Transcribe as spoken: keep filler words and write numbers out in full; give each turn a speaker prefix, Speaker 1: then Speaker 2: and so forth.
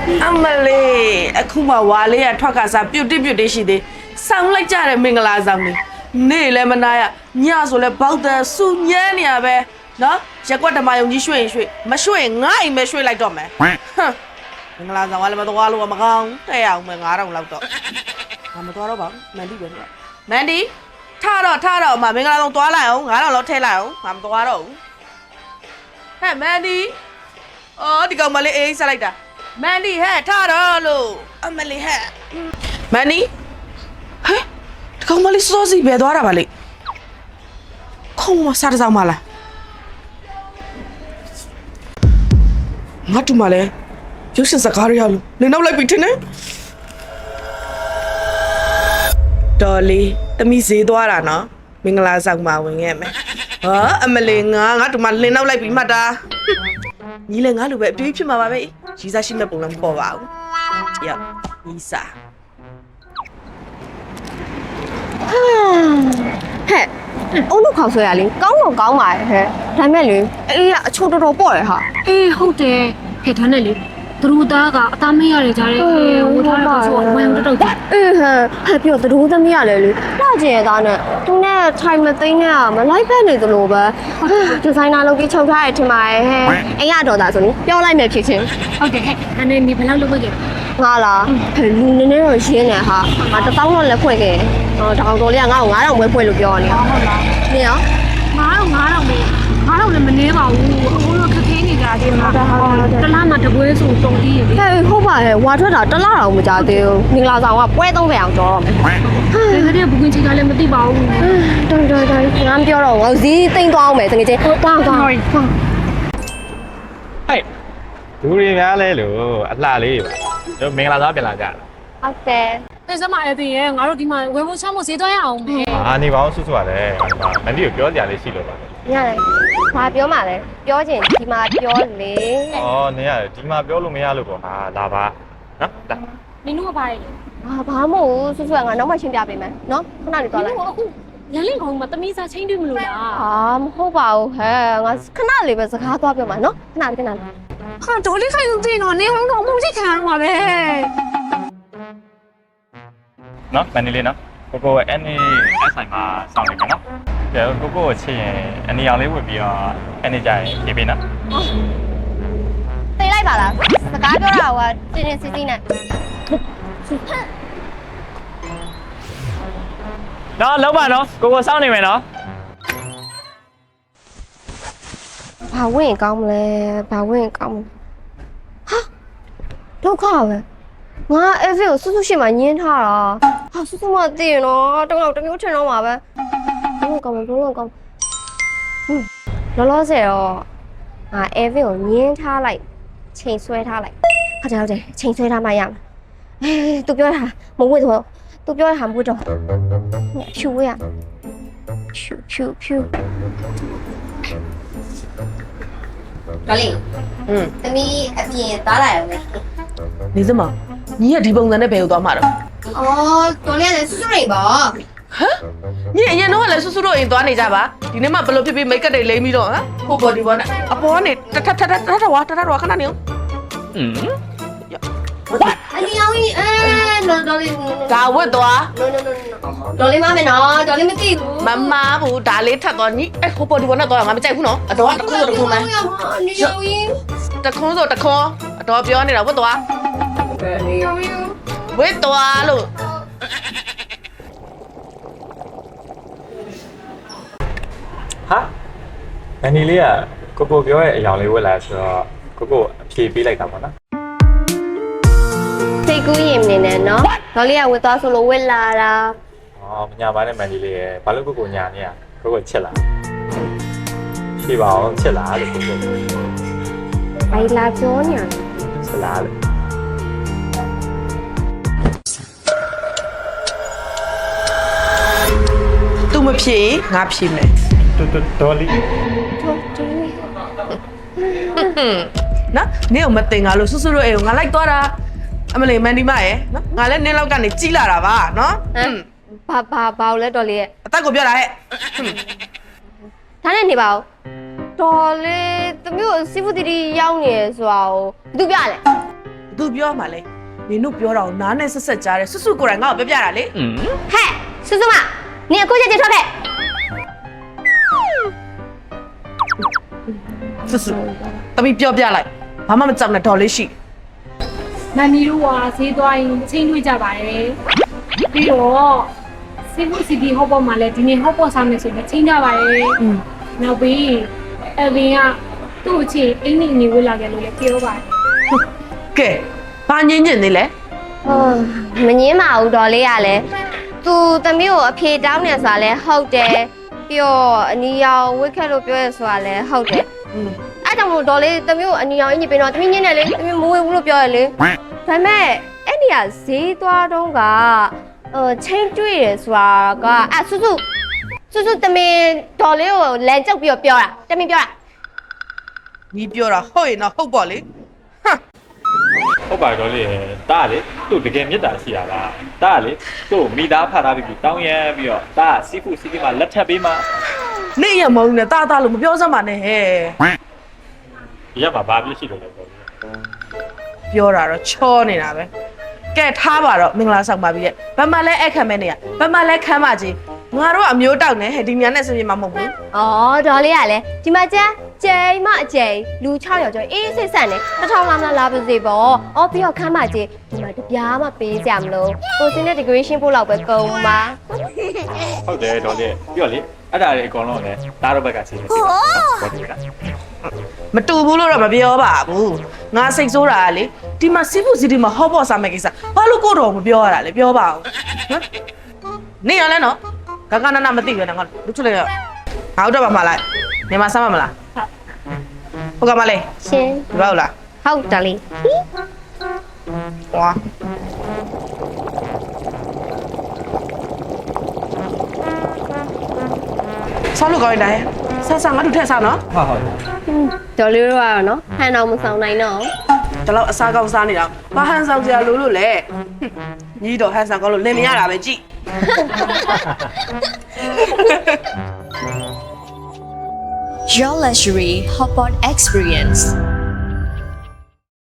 Speaker 1: အမလေးအခုမှဝါလေးကထွက်ကစားပြုတ်တိပြုတ်တိရှိသေးဆောင်းလိုက်ကြတယ်မင်္ဂလာဆောင်လေးနေလည်းမနာရညဆိုလဲဘောက်တဲ့စူညမ်းနေရပဲနော်ရက်ကွက်ဓမ္မယုံကြီးရွှေ့ရင်ရွှေ့မရွှေ့ငါ့အိမ်ပဲရွှေ့လိုက်တော့မယ်ဟမ်မင်္ဂလာဆောင်ကလည်းမသွားလို့မကောင်းတဲ့အောင်မယ်ငါးတောင်လောက်တော့ငါမသွားတော့ပါဘူးမန်ဒီပဲနော်မန်ဒီထားတော့ထားတော့အမမင်္ဂလာဆောင်သွားလိုက်အောင်ငါးတောင်လောက်ထည့်လိုက်အောင်ငါမသွားတော့ဘူးဟဲ့မန်ဒီအော်ဒီကောင်မလေးအေးဆက်လိုက်တာမန်ဒီဟဲ့ထားတော့လို့အမလေးဟဲ့မန်ဒီဟဲ့ဒီကောင်မလေးစောစီပဲသွားတာပါလေခုံမစားတဲ့ဆောင်မလားငါတူမလဲရုပ်ရှင်စကားရရလို့လင်းနောက်လိုက်ပြီထင်တယ်တော်လေးတမိဈေးသွားတာနော်မင်္ဂလာဆောင်မှာဝင်ခဲ့မယ်ဟာအမလေးငါငါတူမလင်းနောက်လိုက်ပြီမှတ်တာညီလည်းငါလိုပဲအတွေးဖြစ်မှာပါပဲရီးစားရှိမဲ့ပုံလည်းမပေါ်ပါဘူးရောက်ရီးစား
Speaker 2: ဟဲ့အုံးတို့ခေါက်ဆွဲရလေကောင်းတော့ကောင်းပါရဲ့ဟဲ့ဒါမဲ့လေအေးအချိုးတော်တော်ပေါ့ရဟာ
Speaker 3: အေးဟုတ်တယ်ဟဲ့ဒါနဲ့လေသူတို့သားကအသားမရရကြတယ်ဝတ်ထားတဲ့ဆိုတော့ဝမ်းတောက်တောက်
Speaker 2: အေးဟဲ့ဟဲ့ပြောသူတို့သမီးရလေလေလှကျင်ရသားနဲ့သူနဲ့ထိုင်မသိနဲ့မလိုက်ဖက်နေသလိုပဲဒီဇိုင်နာလုပ်ပြီးချုပ်ထားရထင်ပါရဲ့ဟဲ့အိမ်ရတော်သားဆိုရင်ပြောလိုက်မယ်ဖြစ်ချင်း
Speaker 3: ဟုတ်တယ်ဟဲ့ဒါနဲ့နေဘယ်လောက်လုပ်ခဲ့ကြ
Speaker 2: ငါလားဟဲ့လူနည်းနည်းတော့ရင်းနေဟာငါတစ်ပေါင်းတော့လက်ဖွင့်ခဲ့ဟောတောင်တော်လေးကငါ့ကိုငါးတောင်ဝဲဖွင့်လို့ပြောနေ
Speaker 3: ဟုတ်လား
Speaker 2: နေရော
Speaker 3: ငါးတော့ငါးတော့မေးငါးတော့လည်းမနေပါဘူးအခုတော့ခက်ခဲနေကြတယ်မှာတလားမှတပွဲဆိုတုံပြီးရေ
Speaker 2: ဟဲ့ဟုတ်ပါရဲ့ဝါထွက်တာတလားတော့မကြသေးဘူးမင်္ဂလာဆောင်ကပွဲသုံးဆယ်အောင်ကြောတော့မယ်
Speaker 3: ဟဲ့ဒီကဘူးကင်ချီကလည်းမသိပါဘူး
Speaker 2: တော်တော်တော်ငါမပြောတော့ငါဈေးသိမ့်သွားအောင်မယ်တကယ်ချင်းတောင်းတောင်းဟဲ့
Speaker 4: လူတွေများလဲလို့အလှလေးပါတို့မင်္ဂလာဆောင်ပြန်လာကြတာ
Speaker 2: ဟုတ်တယ်
Speaker 3: အဲစမအဲ့ဒီရဲ့ငါတို့ဒီမှာဝယ်ဖို့ချမ်းဖို့ဈေးသွားရအောင်မယ်
Speaker 4: အာနေပါအောင်ဆွဆွရတယ်မန်ဒီကိုပြောကြလေးရှိလို့ပါ
Speaker 2: ရတယ်ဘာပြောမှလဲပြောချင်ဒီမှာပြောလေ
Speaker 4: ဩနေရဒီမှာပြောလို့မရလို့ပေါ့ဟာလာပါနော်လာ
Speaker 3: နင်တို့ကပါလေ
Speaker 2: ဘာဘာမဟုတ်ဘူးဆွဆွကငါနောက်မှရှင်းပြပေးမယ်နော်ခဏလေးသွားလိုက်
Speaker 3: အခုရန်လင်းကောင်မှာတမီးစားချင်းတွေ့မလို့လား
Speaker 2: ဟာမဟုတ်ပါဘူးဟဲ့ငါခဏလေးပဲစကားသွားပြောမှာနော်ခဏလေးခဏလေး
Speaker 3: ဟာတော်လေးခိုင်သိနော်နေဟုတ်တော့အမှုကြီးခံရမှာပဲ
Speaker 4: နော်မန်ဒီလေးနော်ကိုကိုအဲ့နေအဲ့ဆိုင်မှာစောင့်နေမယ်နော်ကျတော့ကိုကိုကိုချစ်ရင်အနေအောင်လေးဝတ်ပြီးတော့အဲ့နေကြရင်ပြေးပေးနော်
Speaker 2: သိလိုက်ပါလားစကားပြောတာကတင်းတင်းစီစီနဲ့
Speaker 4: နော်လောက်ပါနော်ကိုကိုစောင့်နေမယ်နော်
Speaker 2: ဘာဝင်ကောင်းမလဲဘာဝင်ကောင်းဟာဒုက္ခပဲငါအဲ့ဖေကိုစွတ်စွတ်ရှင်းမှညင်းထားတာဟာစွတ်စွတ်မသိရင်တော့တောင်းတော့တမျိုးထင်တော့မှာပဲဘလို့ကောင်းမဘလို့ကောင်းဟွန်းလောလောဆယ်တော့ငါအဲ့ဖေကိုညင်းထားလိုက်ချိန်ဆွဲထားလိုက်ဟုတ်တယ်ဟုတ်တယ်ချိန်ဆွဲထားမှရမှာအေးသူပြောတာမဝတ်တော့သူပြောတာမဝတ်တော့ဖြူဝဲရဖြူဖြူဖြူတော်လေးอืมသမီးအပြင်သားလာရုံနဲ့
Speaker 1: နေစမညီကဒီပုံစံနဲ့ဘယ်ကိုသွားမှာတော့
Speaker 2: အော်တော်လေးကလည်းစွစွရိတ်ပါဟ
Speaker 1: မ်ညီအရင်တော့လည်းစွစွတို့အိမ်သွားနေကြပါဒီနေ့မှဘယ်လိုဖြစ်ပြီးမိတ်ကပ်တွေလိမ့်ပြီးတော့ဟမ်ဟိုဘော်ဒီဘော်နဲ့အပေါ်ကနေတထထထထထဝါထထဝါခဏနေအောင်อืม
Speaker 2: အလီအောင်ကြီးအဲတော်တော်လေး
Speaker 1: ဒါဝတ်သွား
Speaker 2: no no no no တော်လေးမမယ်နော်တော်လေးမသိဘူး
Speaker 1: မမဘူးဒါလေးထပ်သွားညီအဲဟိုဘော်ဒီဘော်နဲ့တော့ငါမကြိုက်ဘူးနော်အတော်ကတခုဆိုတခုမယ်
Speaker 2: အလီအောင်ကြီး
Speaker 1: တခုဆိုတခုအတော်ပြောနေတာဝတ်သွား
Speaker 2: အလီအောင်ကြီး
Speaker 1: ဝတ်သွားလို့
Speaker 4: ဟာမန်ဒီလေးကကိုကိုပြောရဲ့အယောင်လေးဝတ်လာဆိုတော့ကိုကိုအဖြေပေးလိုက်တာပေါ့နော်
Speaker 2: စိတ်ကူးရင်နေနဲ့နော်တော်လေးကဝတ်သွားဆိုလို့ဝတ်လာတာ
Speaker 4: အော်မညာပါနဲ့မန်ဒီလေးရဲ့ဘာလို့ကိုကိုညာနေရကိုကိုချစ်လားဖြေပါအောင်ချစ်လားလို့ကိုကို
Speaker 2: ဘိုင်လာပြောညာ
Speaker 4: ချစ်လားလို့
Speaker 1: သူမဖြေငါဖြေမယ်
Speaker 4: တော်တော်တော်လေး
Speaker 1: နော်နင်းကိုမတင်ငါလို့စွစွတို့အိမ်ကိုငါလိုက်သွားတာအမလေးမန်ဒီမရဲ့နော်ငါလည်းနင်းလောက်ကနေကြီးလာတာပါနော်
Speaker 2: ဘာဘာဘာလဲတော်လေးရဲ့
Speaker 1: အသက်ကိုပြောတာဟဲ့
Speaker 2: ဒါနဲ့နေပါဦးတော်လေးသမီးကိုစီဖူတီတီရောက်နေရဆိုတော့ဘယ်သူပြလဲ
Speaker 1: ဘသူပြောမှလဲနင်တို့ပြောတာကိုနားနဲ့ဆက်ဆက်ကြားတယ်စွတ်စွတ်ကိုယ်တိုင်ငါ့ကိုပြောပြတာလေ
Speaker 2: ဟဲ့စွစွမနင်အခုချက်ချင်းထွက်ခဲ့
Speaker 1: စွတ်စွတ်တမီးပြောပြလိုက်ဘာမှမကြောက်နဲ့ဒေါ်လေးရှိ
Speaker 3: မမီတို့ကဈေးသွားရင်ချင်းတွေ့ကြပါတယ်ပြီးတော့စီဖူစီတီဟော့ပေါ်မှာလည်းဒီနေ့ဟော့ပေါ်စားမယ်ဆိုရင်ချင်းကြပါတယ်နောက်ပြီးအဗင်ကသူ့အချင်းအင်းနေနေဝေးလာကြလို့လည်းပြောပါတယ်
Speaker 1: ကဲဘာညင်းညင်းနေလဲ
Speaker 2: ဟောမငင်းပါဘူးတော်လေးကလည်းသူသမီးကိုအဖြေတောင်းနေဆိုတာလည်းဟုတ်တယ်ပြီးတော့အနီရောင်ဝိတ်ခက်လို့ပြောရဆိုတာလည်းဟုတ်တယ်
Speaker 1: อืม
Speaker 2: အဲ့ကြောင့်မို့တော်လေးသမီးကိုအနီရောင်အင်းကြီးပြင်တော့သမီးညင်းတယ်လေသမီးမဝေဘူးလို့ပြောရလေဒါပေမဲ့အဲ့ဒီကဈေးသွားတော့ကဟိုချင်းတွေ့ရဆိုတာကအဲ့စုစုစုစုသမီးတော်လေးကိုလမ်းကျုပ်ပြီးတော့ပြောတာသမီးပြောတာ
Speaker 1: ညီပြောတာဟုတ်ရင်တော့ဟုတ်ပေါ့လေဟမ်
Speaker 4: ဟုတ်ပါတော့လေတားလေသူ့တကယ်မြတ်တာရှိတာလားတားလေသူ့မိသားဖတ်ထားပြီးတောင်းရမ်းပြီးတော့တားစီဖူစီတီမှာလက်ထပ်ပေးမှ
Speaker 1: နေရမုံနဲ့တာတာလို့မပြောစမ်းပါနဲ့ဟဲ့
Speaker 4: ဒီကမှာဘာပြစ်ရှိလို့လဲပေါ့
Speaker 1: ပြောတာတော့ချောနေတာပဲကဲထားပါတော့မင်္ဂလာဆောင်ပါပြီရဲ့ဘာမှလည်းအဲ့ခံမဲနေရဘာမှလည်းခမ်းပါကြီးငါတို့ကအမျိုးတောက်နေဟဲ့ဒီမြန်နဲ့စင်ပြေမှာမဟုတ်ဘူး
Speaker 2: ဩတော်လေးကလည်းဒီမှာကျန်းကျိန်မအကျိန်လူ၆ယောက်ကျော်အေးစိတ်ဆက်နေတစ်ထောင်လာမလားလာပါစေပေါ့ဩပြီးတော့ခမ်းမကြီးဒီမှာတပြားမှပေးကြမလို့ကိုစင်းတဲ့ decoration ပို့လောက်ပဲကုန်ပါ
Speaker 4: ဟုတ်တယ်တော့လေပြီးတော့လေအဲ့ဒါတွေအကုန်လုံးလည်းတားတော့ဘက်ကစီနေတယ်ဟုတ်တယ်လား
Speaker 1: မတူဘူးလို့တော့မပြောပါဘူးငါစိတ်ဆိုးတာကလေဒီမှာစီးဖူစီဒီမှာဟော့ပေါ့စားမယ့်ကိစ္စဘာလို့ကိုတော်မပြောရတာလဲပြောပါဦးဟမ်နေရလဲနော်ဂဂနနမသိပဲနော်ငါလူချလိုက်ရငါတို့တော့ပါမလားနေမှာစားမမလားဟုတ်ကမလေး
Speaker 2: ရှင်
Speaker 1: ဒီပါဦးလား
Speaker 2: ဟုတ်တယ်လေ
Speaker 1: ဟွာဆောက်လို့ကောင်းတယ်ဆက်ဆက်ငါတို့ထက်စားနော်
Speaker 4: ဟုတ်ဟုတ်
Speaker 2: တော်လေးတော့ရနော်ဟန်အောင်မဆောင်နိုင်တော့
Speaker 1: ဒီလောက်အစားကောင်းစားနေတာဘာဟန်ဆောင်ကြလို့လို့လဲညီတော့ဟန်ဆောင်ကောင်းလို့လင်မရတာပဲကြည့်
Speaker 5: Your luxury hotpot experience.